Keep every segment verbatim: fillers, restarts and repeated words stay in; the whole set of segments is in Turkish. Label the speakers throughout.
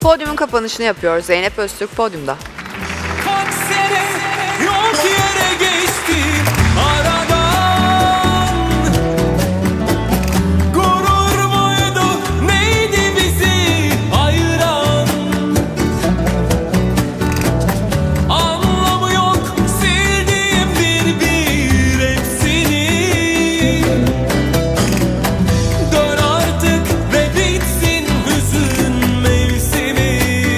Speaker 1: Podyumun kapanışını yapıyoruz. Zeynep Öztürk podyumda.
Speaker 2: Kaç sene yok yere geçtim aradan. Gurur muydu neydi bizi ayıran? Anlamı yok sildiğim bir bir hepsini. Dön artık ve bitsin hüzün mevsimi.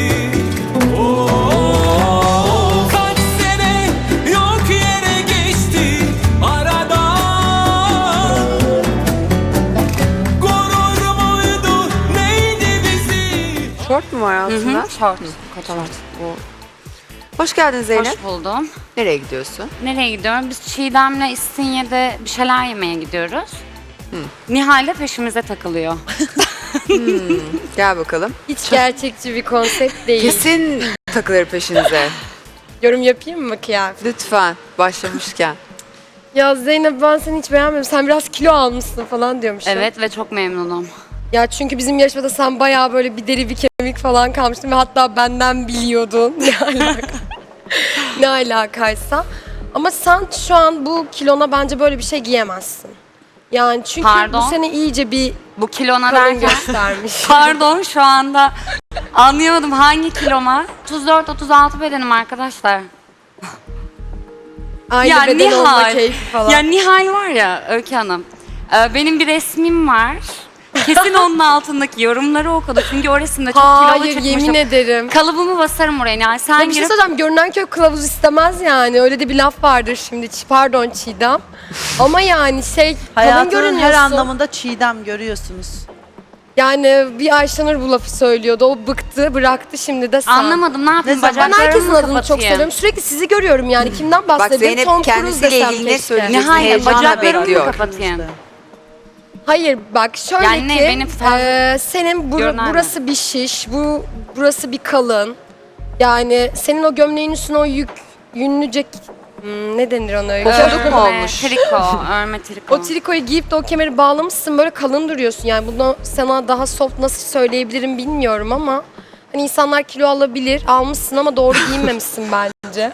Speaker 2: Oh, kaç sene yok yere geçti aradan. Gurur muydu neydi bizi?
Speaker 1: Şort mu var altında?
Speaker 3: Hı hı, şort.
Speaker 1: Tamam. Hoş geldin Zeynep.
Speaker 3: Hoş buldum.
Speaker 1: Nereye gidiyorsun?
Speaker 3: Nereye gidiyorum? Biz Çiğdem'le İstinye'de bir şeyler yemeye gidiyoruz. Nihal de peşimize takılıyor.
Speaker 1: Gel bakalım.
Speaker 4: Hiç gerçekçi bir konsept değil.
Speaker 1: Kesin takılır peşinize.
Speaker 4: Yorum yapayım mı kıyafet?
Speaker 1: Lütfen başlamışken.
Speaker 4: Ya Zeynep ben seni hiç beğenmiyorum. Sen biraz kilo almışsın falan diyormuşum.
Speaker 3: Evet ve çok memnunum.
Speaker 4: Ya çünkü bizim yarışmada sen bayağı böyle bir deri bir kemik falan kalmıştın ve hatta benden biliyordun. Ne alaka? Ne alakaysa. Ama sen şu an bu kilona bence böyle bir şey giyemezsin. Yani çünkü
Speaker 3: Pardon?
Speaker 4: bu sene iyice bir
Speaker 3: Bu kilona
Speaker 4: kalın
Speaker 3: derken...
Speaker 4: göstermiş.
Speaker 3: Pardon şu anda anlayamadım hangi kiloma? otuz dört otuz altı bedenim arkadaşlar.
Speaker 4: Aynı
Speaker 3: Ya
Speaker 4: beden olma
Speaker 3: Nihal,
Speaker 4: keyfi falan.
Speaker 3: ya Nihal var ya Öykü Hanım. e, Benim bir resmim var. Kesin onun altındaki yorumları okudu. Çünkü o resimde çok kilolu
Speaker 4: Hayır
Speaker 3: çıkmışım.
Speaker 4: yemin ederim.
Speaker 3: Kalıbımı basarım oraya. Yani sen
Speaker 4: Ya bir şey
Speaker 3: girip
Speaker 4: söyleyeceğim, görünen köy kılavuz istemez yani. Öyle de bir laf vardır şimdi. Ç- Pardon Çiğdem. Ama yani şey, kalın
Speaker 5: Hayatının
Speaker 4: görünüyorsun.
Speaker 5: her anlamında Çiğdem görüyorsunuz.
Speaker 4: Yani bir Ayşenur bu lafı söylüyordu. O bıktı, bıraktı, şimdi de sen.
Speaker 3: anlamadım ne yapayım
Speaker 5: Ne zaman?
Speaker 4: Ben
Speaker 3: bacaklarımı
Speaker 4: herkesin
Speaker 3: mı
Speaker 4: adını çok
Speaker 3: kapatayım?
Speaker 4: seviyorum. Sürekli sizi görüyorum yani. Kimden
Speaker 1: Bak
Speaker 4: bahsedeyim?
Speaker 1: Zeynep
Speaker 4: Tom Cruise
Speaker 1: kendisiyle
Speaker 4: desem
Speaker 1: ilgili ne
Speaker 4: keşke.
Speaker 1: söyleyecek?
Speaker 3: Nihal
Speaker 1: Heyecanla
Speaker 3: bacaklarımı mı
Speaker 1: bekliyor.
Speaker 3: kapatayım?
Speaker 4: Hayır bak şöyle
Speaker 3: Yani ne,
Speaker 4: ki
Speaker 3: benim fazla-
Speaker 4: eee, senin bur-
Speaker 3: Görünen mi?
Speaker 4: burası bir şiş, bu burası bir kalın. Yani senin o gömleğin üstüne o yük, yünlüce hmm, ne denir ona öyle?
Speaker 1: Pofuduk mu
Speaker 3: Örme,
Speaker 1: olmuş?
Speaker 3: Triko, örme triko.
Speaker 4: O trikoyu giyip de o kemeri bağlamışsın, böyle kalın duruyorsun. Yani bunu sana daha soft nasıl söyleyebilirim bilmiyorum ama hani insanlar kilo alabilir, almışsın ama doğru giyinmemişsin bence.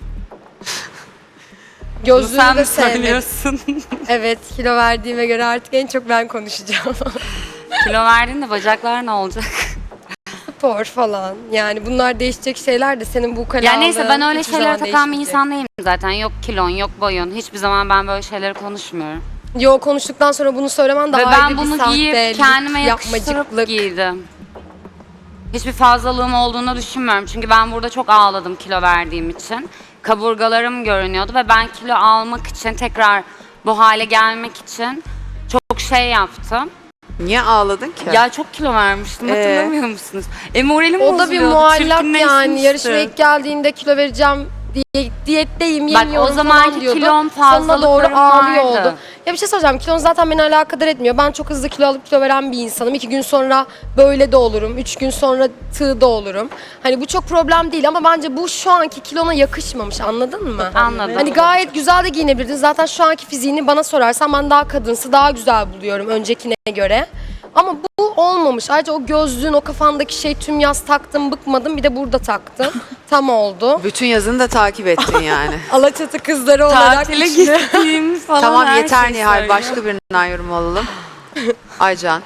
Speaker 3: Bunu
Speaker 4: Gözlüğünü
Speaker 3: sen
Speaker 4: de
Speaker 3: mi
Speaker 4: sevmedim.
Speaker 3: söylüyorsun?
Speaker 4: Evet, kilo verdiğime göre artık en çok ben konuşacağım.
Speaker 3: Kilo verdin de bacaklar ne olacak?
Speaker 4: Spor falan. Yani bunlar değişecek şeyler de senin bu kalanlığın
Speaker 3: Ya neyse ben öyle
Speaker 4: hiçbir
Speaker 3: şeylere
Speaker 4: zaman
Speaker 3: takan bir
Speaker 4: değişmeyecek.
Speaker 3: insan değilim zaten. Yok kilon, yok boyun. Hiçbir zaman ben böyle şeyleri konuşmuyorum.
Speaker 4: Yo, konuştuktan sonra bunu söylemen daha
Speaker 3: Ve
Speaker 4: ayrı
Speaker 3: ben
Speaker 4: bir
Speaker 3: bunu
Speaker 4: sahtelik,
Speaker 3: giyip kendime yakıştırıp
Speaker 4: yapmacıklık.
Speaker 3: giydim. Hiçbir fazlalığım olduğunu düşünmüyorum. Çünkü ben burada çok ağladım kilo verdiğim için. Kaburgalarım görünüyordu ve ben kilo almak için, tekrar bu hale gelmek için çok şey yaptım.
Speaker 1: Niye ağladın ki?
Speaker 3: Ya çok kilo vermiştim,
Speaker 1: Ee?
Speaker 3: hatırlamıyor musunuz? E moralim
Speaker 4: O da bir
Speaker 3: bozuluyordu,
Speaker 4: muallak yani.
Speaker 3: çirkinleşmişti.
Speaker 4: Yarışmaya ilk geldiğinde kilo vereceğim diye diyetteyim,
Speaker 3: Bak,
Speaker 4: yemiyorum
Speaker 3: o zamanki
Speaker 4: falan diyordu.
Speaker 3: kilom,
Speaker 4: Sonuna doğru
Speaker 3: fazlalıklarım
Speaker 4: ağlıyor
Speaker 3: vardı.
Speaker 4: oldu. Ya bir şey söyleyeceğim. Kilon zaten beni alakadar etmiyor. Ben çok hızlı kilo alıp kilo veren bir insanım. İki gün sonra böyle de olurum. Üç gün sonra tığ da olurum. Hani bu çok problem değil ama bence bu şu anki kilona yakışmamış. Anladın mı?
Speaker 3: Anladım.
Speaker 4: Hani gayet güzel de giyinebilirdin. Zaten şu anki fiziğini bana sorarsan ben daha kadınsı, daha güzel buluyorum öncekine göre. Ama bu olmamış. Ayrıca o gözlüğün, o kafandaki şey tüm yaz taktım, bıkmadım. Bir de burada taktım. Tam oldu.
Speaker 1: Bütün yazını da takip ettin yani.
Speaker 4: Alaçatı kızları olarak
Speaker 3: Tatile
Speaker 4: içine-
Speaker 3: gittiğim falan
Speaker 1: Tamam
Speaker 3: her
Speaker 1: yeter
Speaker 3: şey
Speaker 1: Nihal.
Speaker 3: söylüyor.
Speaker 1: Başka birinden yorum alalım. Aycan.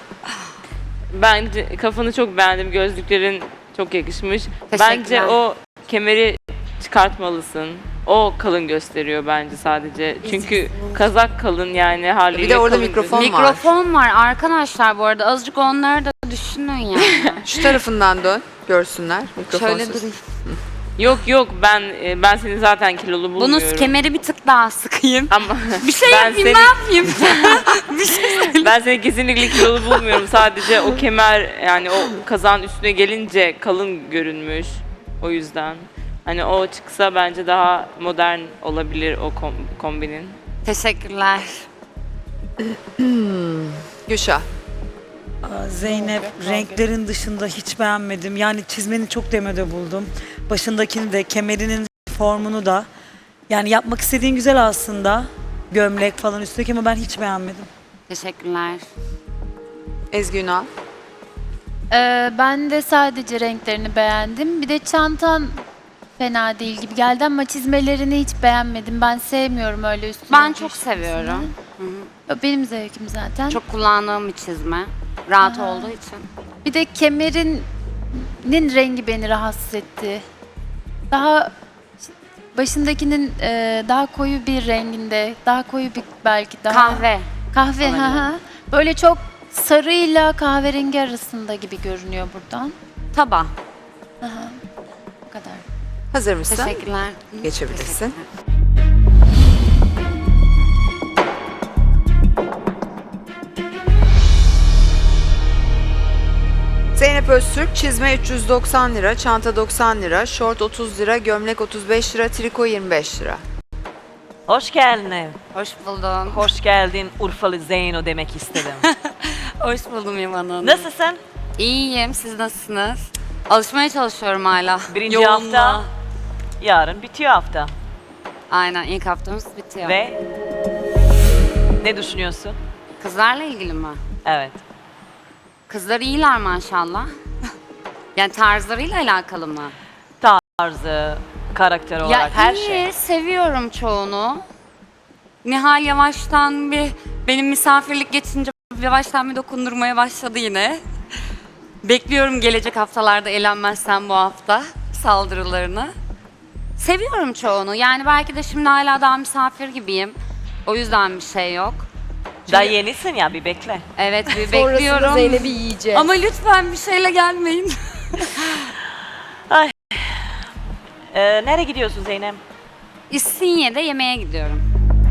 Speaker 6: Bence kafanı çok beğendim. Gözlüklerin çok yakışmış.
Speaker 3: Teşekkürler.
Speaker 6: Bence o kemeri çıkartmalısın. O kalın gösteriyor bence sadece. Çünkü kazak kalın yani haliyle.
Speaker 1: Bir de orada
Speaker 6: kalın
Speaker 1: mikrofon
Speaker 6: gözüküyor.
Speaker 1: var.
Speaker 3: Mikrofon var arkadaşlar bu arada. Azıcık onları da düşünün yani.
Speaker 1: Şu tarafından dön. Görsünler. Mikrofonsuz.
Speaker 3: Şöyle durayım.
Speaker 6: Yok yok ben e, ben seni zaten kilolu bulmuyorum.
Speaker 3: Bunu kemeri bir tık daha sıkayım.
Speaker 6: Ama
Speaker 3: Bir şey
Speaker 6: ben
Speaker 3: yapayım,
Speaker 6: seni,
Speaker 3: ne yapayım? bir şey
Speaker 6: ben seni kesinlikle kilolu bulmuyorum. Sadece o kemer yani o kazağın üstüne gelince kalın görünmüş. O yüzden. Hani o çıksa bence daha modern olabilir o kom- kombinin.
Speaker 3: Teşekkürler.
Speaker 1: Gülşah.
Speaker 5: Aa, Zeynep, renklerin dışında hiç beğenmedim. Yani çizmeni çok demode buldum. Başındakini de, kemerinin formunu da. Yani yapmak istediğin güzel aslında. Gömlek falan üstteki ama ben hiç beğenmedim.
Speaker 3: Teşekkürler.
Speaker 1: Ezgi Ünal.
Speaker 7: Ee, ben de sadece renklerini beğendim. Bir de çantan fena değil gibi geldi ama çizmelerini hiç beğenmedim. Ben sevmiyorum öyle üstüne.
Speaker 3: Ben çok
Speaker 7: düşmesini.
Speaker 3: seviyorum.
Speaker 7: Benim zevkim zaten.
Speaker 3: Çok kullandığım bir çizme. Rahat olduğu için.
Speaker 7: Bir de kemerinin rengi beni rahatsız etti. Daha başındakinin e, daha koyu bir renginde, daha koyu bir belki daha
Speaker 3: Kahve.
Speaker 7: kahve
Speaker 3: olabilir.
Speaker 7: ha ha. Böyle çok sarıyla kahverengi arasında gibi görünüyor buradan.
Speaker 3: Taba.
Speaker 7: Bu kadar.
Speaker 1: Hazır mısın?
Speaker 3: Teşekkürler.
Speaker 1: Geçebilirsin. Zeynep Öztürk, çizme üç yüz doksan lira, çanta doksan lira, şort otuz lira, gömlek otuz beş lira, triko yirmi beş lira.
Speaker 8: Hoş geldin.
Speaker 3: Hoş buldum.
Speaker 8: Hoş geldin Urfalı Zeyno demek istedim.
Speaker 3: Hoş buldum İvan Hanım.
Speaker 8: Nasılsın?
Speaker 3: İyiyim. Siz nasılsınız? Alışmaya çalışıyorum hala.
Speaker 8: Birinci
Speaker 3: Yoğunluğa.
Speaker 8: hafta, yarın bitiyor hafta.
Speaker 3: Aynen ilk haftamız bitiyor.
Speaker 8: Ve ne düşünüyorsun?
Speaker 3: Kızlarla ilgili mi?
Speaker 8: Evet.
Speaker 3: Kızlar iyiler maşallah. Yani tarzlarıyla alakalı mı?
Speaker 8: Tarzı, karakter olarak her
Speaker 3: iyi,
Speaker 8: şey.
Speaker 3: seviyorum çoğunu. Nihal yavaştan bir benim misafirlik geçince yavaştan bir dokundurmaya başladı yine. Bekliyorum gelecek haftalarda elenmezsem bu hafta saldırılarını. Seviyorum çoğunu. Yani belki de şimdi hala daha misafir gibiyim. O yüzden bir şey yok.
Speaker 8: Daha yenisin ya, bir bekle.
Speaker 3: Evet bir
Speaker 4: Sonrasında
Speaker 3: bekliyorum.
Speaker 4: Zeynep'i yiyeceğiz.
Speaker 3: Ama lütfen bir şeyle gelmeyin.
Speaker 8: Ee, nereye gidiyorsun Zeynep?
Speaker 3: İstinye'de yemeğe gidiyorum.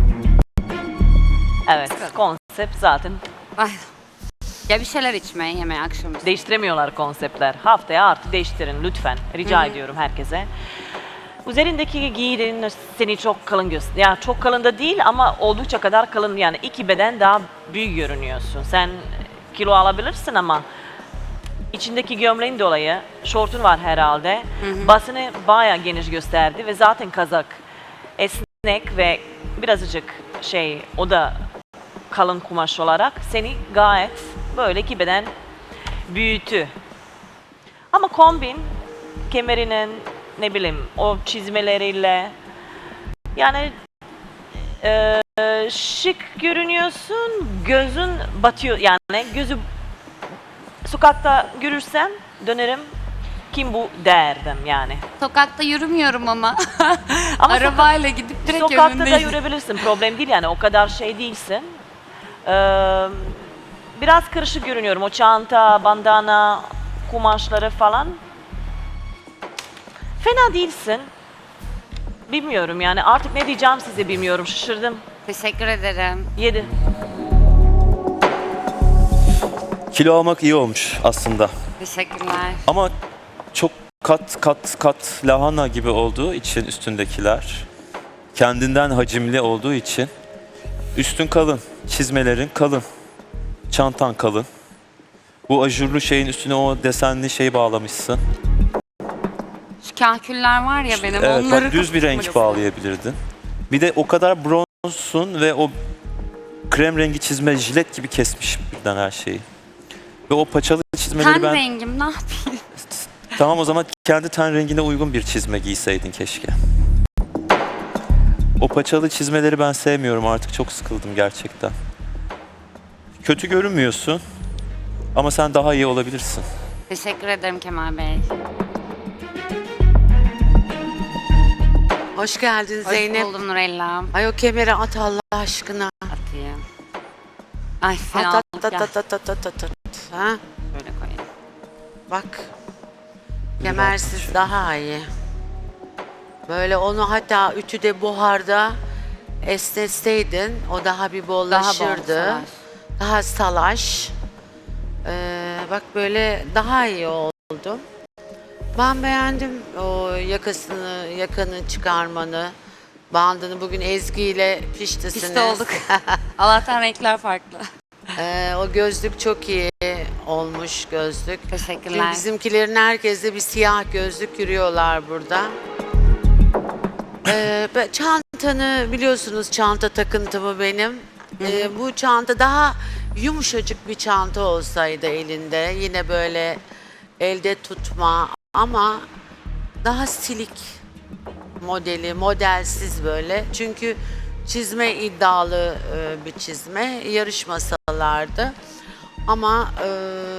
Speaker 8: Evet, konsept zaten.
Speaker 3: Ay. Ya bir şeyler içmeye, yemeğe, akşamüstü.
Speaker 8: Değiştiremiyorlar konseptler. Haftaya artı değiştirin lütfen. Rica ediyorum herkese. Üzerindeki giydiğin seni çok kalın gösteriyor. Yani çok kalın da değil ama oldukça kadar kalın. Yani iki beden daha büyük görünüyorsun. Sen kilo alabilirsin ama içindeki gömleğin dolayı şortun var herhalde. Basını bayağı geniş gösterdi ve zaten kazak esnek ve birazcık şey, o da kalın kumaş olarak seni gayet böyle iki beden büyüttü. Ama kombin kemerinin, ne bileyim, o çizmeleriyle yani e, şık görünüyorsun, gözün batıyor yani, gözü sokakta görürsem dönerim, kim bu derdim yani.
Speaker 3: Sokakta yürümüyorum ama.
Speaker 8: Ama
Speaker 3: Arabayla gidip direkt
Speaker 8: sokakta da
Speaker 3: önündeyim.
Speaker 8: yürüyebilirsin, problem değil yani, o kadar şey değilsin. Ee, biraz karışık görünüyorum, o çanta, bandana, kumaşları falan. Fena değilsin. Bilmiyorum yani, artık ne diyeceğim size bilmiyorum, şaşırdım.
Speaker 3: Teşekkür ederim.
Speaker 8: Yedi.
Speaker 9: Kilo almak iyi olmuş aslında.
Speaker 3: Teşekkürler.
Speaker 9: Ama çok kat kat kat lahana gibi olduğu için üstündekiler, kendinden hacimli olduğu için üstün kalın, çizmelerin kalın, çantan kalın. Bu ajurlu şeyin üstüne o desenli şey bağlamışsın.
Speaker 3: Şu kahküller var ya benim,
Speaker 9: Evet,
Speaker 3: onları
Speaker 9: bak düz bir renk bağlayabilirdin. Bir de o kadar bronzsun ve o krem rengi çizme jilet gibi kesmiş birden her şeyi. Ve o paçalı çizmeleri
Speaker 3: Ten
Speaker 9: ben...
Speaker 3: rengim ne yapayım?
Speaker 9: Tamam, o zaman kendi ten rengine uygun bir çizme giyseydin keşke. O paçalı çizmeleri ben sevmiyorum, artık çok sıkıldım gerçekten. Kötü görünmüyorsun ama sen daha iyi olabilirsin.
Speaker 3: Teşekkür ederim Kemal Bey.
Speaker 10: Hoş geldin
Speaker 3: Hoş
Speaker 10: Zeynep.
Speaker 3: buldum Nurella.
Speaker 10: Ay o kemeri at Allah aşkına.
Speaker 3: Atayım. Ay
Speaker 10: At
Speaker 3: fena
Speaker 10: at
Speaker 3: olduk
Speaker 10: at
Speaker 3: ya.
Speaker 10: at at at at at. Ha?
Speaker 3: Böyle koyayım.
Speaker 10: Bak. Kemersiz daha iyi. Böyle onu hatta ütüde buharda esnetseydin o daha bir
Speaker 3: Daha bol
Speaker 10: bollaşırdı.
Speaker 3: salaş.
Speaker 10: Daha salaş. Ee, bak böyle daha iyi oldu. Ben beğendim o yakasını, yakanı çıkarmanı, bandını. Bugün Ezgi ile piştisiniz.
Speaker 3: Pişti olduk. Allah'tan renkler farklı.
Speaker 10: Ee, o gözlük çok iyi olmuş gözlük.
Speaker 3: Teşekkürler.
Speaker 10: Çünkü bizimkilerin herkeste bir siyah gözlük yürüyorlar burada. Ee, ben- çantanı biliyorsunuz, çanta takıntımı benim. Ee, bu çanta daha yumuşacık bir çanta olsaydı elinde, yine böyle elde tutma ama daha silik modeli, modelsiz böyle. Çünkü çizme iddialı e, bir çizme, yarışmasalardı. Ama e,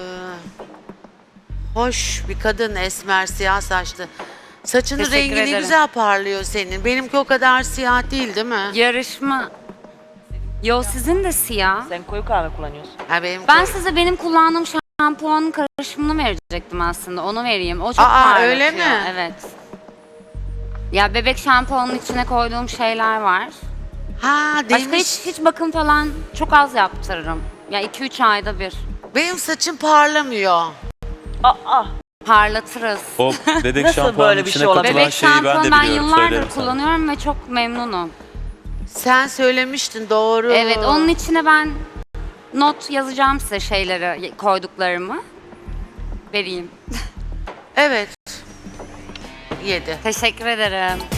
Speaker 10: hoş bir kadın, esmer, siyah saçlı. Saçının
Speaker 3: Teşekkür
Speaker 10: rengi ne
Speaker 3: ederim.
Speaker 10: güzel parlıyor senin. Benimki o kadar siyah değil, değil mi?
Speaker 3: Yarışma... Yo, sizin de siyah.
Speaker 8: Sen koyu kahve kullanıyorsun.
Speaker 10: Ha, benim
Speaker 3: Ben
Speaker 10: koy-
Speaker 3: size benim kullandığım şampuanın karışımını verecektim aslında. Onu vereyim. O çok
Speaker 10: Aa,
Speaker 3: parlatıyor.
Speaker 10: öyle mi?
Speaker 3: Evet. Ya bebek şampuanının içine koyduğum şeyler var.
Speaker 10: Ha,
Speaker 3: Başka
Speaker 10: demiş.
Speaker 3: hiç, hiç bakım falan çok az yaptırırım. Ya iki üç ayda bir.
Speaker 10: Benim saçım parlamıyor.
Speaker 8: Aa,
Speaker 3: Parlatırız.
Speaker 9: O bebek
Speaker 8: Nasıl
Speaker 9: şampuanın
Speaker 8: böyle bir
Speaker 9: içine
Speaker 8: şey olabilir?
Speaker 9: katılan
Speaker 3: Bebek
Speaker 9: şeyi ben de
Speaker 3: şampuanı ben
Speaker 9: biliyorum.
Speaker 3: yıllardır
Speaker 9: söylerim sana.
Speaker 3: kullanıyorum ve çok memnunum.
Speaker 10: Sen söylemiştin, doğru.
Speaker 3: Evet, onun içine ben not yazacağım size şeyleri, koyduklarımı. Vereyim.
Speaker 10: Evet. Yedi.
Speaker 3: Teşekkür ederim.